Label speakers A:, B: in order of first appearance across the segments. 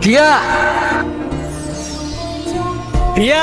A: টিয়া, টিয়া,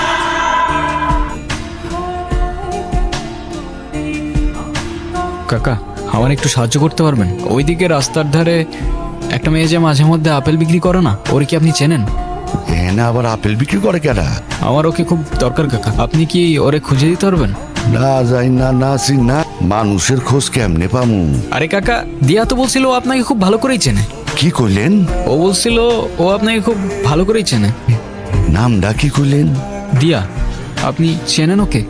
A: কাকা আমার একটু সাহায্য করতে পারবেন? ওইদিকে রাস্তার ধারে একটা মেয়ে যে মাঝে মধ্যে আপেল বিক্রি করে না, ওর কি আপনি চেনেন?
B: না, আবার আপেল বিক্রি করে কেনা?
A: আমার ওকে খুব দরকার কাকা, আপনি কি ওরে খুঁজে দিতে পারবেন?
B: না যাই না, না চিন না, মানুষের খোঁজ কেমনে পামু?
A: আরে কাকা, দিয়া তো বলছিল ও আপনাকে খুব ভালো করেই চেনে।
B: কি কইলেন?
A: ও বলছিল ও আপনাকে খুব ভালো করেই চেনে।
B: নামটা কি কইলেন?
A: দিয়া, আপনি চেনেন ওকে?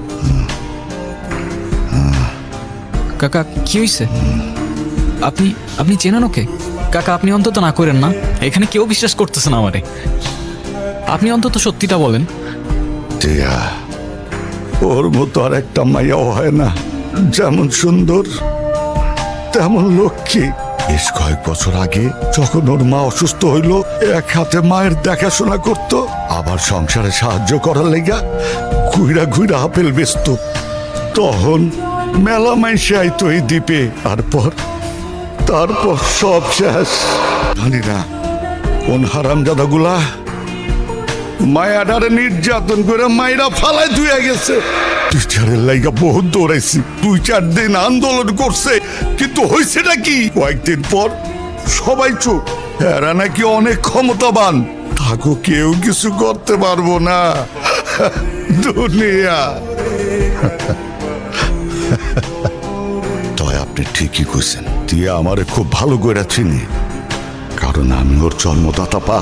A: কাকা কি হয়েছে? আপনি আপনি চেনেন ওকে? কাকা আপনি অন্তত না করেন না, এখানে কেউ বিশ্বাস করতেছে না আমারে, আপনি অন্তত সত্যিটা বলেন।
B: টিয়া, ওর মতো আর একটা মাইয়াও হয় না, যেমন সুন্দর তেমন লক্ষ্মী। বেশ কয়েক বছর আগে যখন ওর মা অসুস্থ হইল, এক হাতে মায়ের দেখাশোনা করত, আবার সংসারে সাহায্য করার লেগা ঘুইরা ঘুইরা আপেল বেচত। তখন মেলা মাইসে আইতো এই দ্বীপে, তারপর সব শেষ। জানি না কোন হারামজাদাগুলা মায়াডারে নির্যাতন করে মায়েরা ফালায় ধুয়ে গেছে। টিচারের লাইগা বহুত দৌড়াইছি, 2-4 দিন আন্দোলন করছে, কিন্তু হয়েছেটা কি? কয়েকদিন পর সবাই চুপ। এরা নাকি অনেক ক্ষমতাবান, তাকে কেউ কিছু করতে পারবো না। দুনিয়া। তয় আপনি ঠিকই কইছেন, টিয়া আমারে খুব ভালো করে চিনি, কারণ আমি ওর জন্মদাতা পা।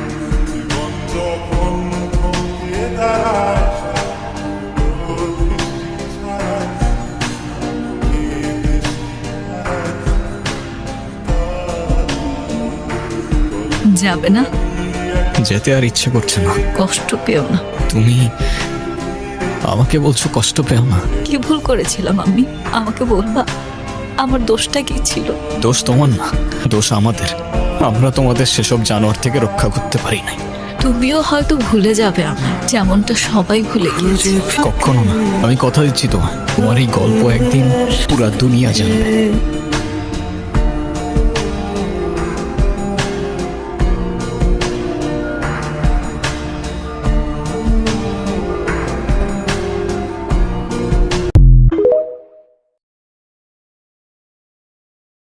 C: যাবে না?
A: যেতে আর ইচ্ছে করছে না।
C: কষ্ট পেও না।
A: তুমি আমাকে বলছো কষ্ট পেও না?
C: কি ভুল করেছিলাম আমি? আমাকে বলবা আমার দোষটা কি ছিল?
A: দোষ তোমার না, দোষ আমাদের। আমরা তোমাদের সেসব জানোয়ার থেকে রক্ষা করতে পারি নাই।
C: তুমিও হয়তো ভুলে যাবে আমায়, যেমনটা সবাই ভুলে গিয়েছে।
A: কখনো না, আমি কথা দিচ্ছি তোমার এই গল্প একদিন পুরা দুনিয়া জানবে।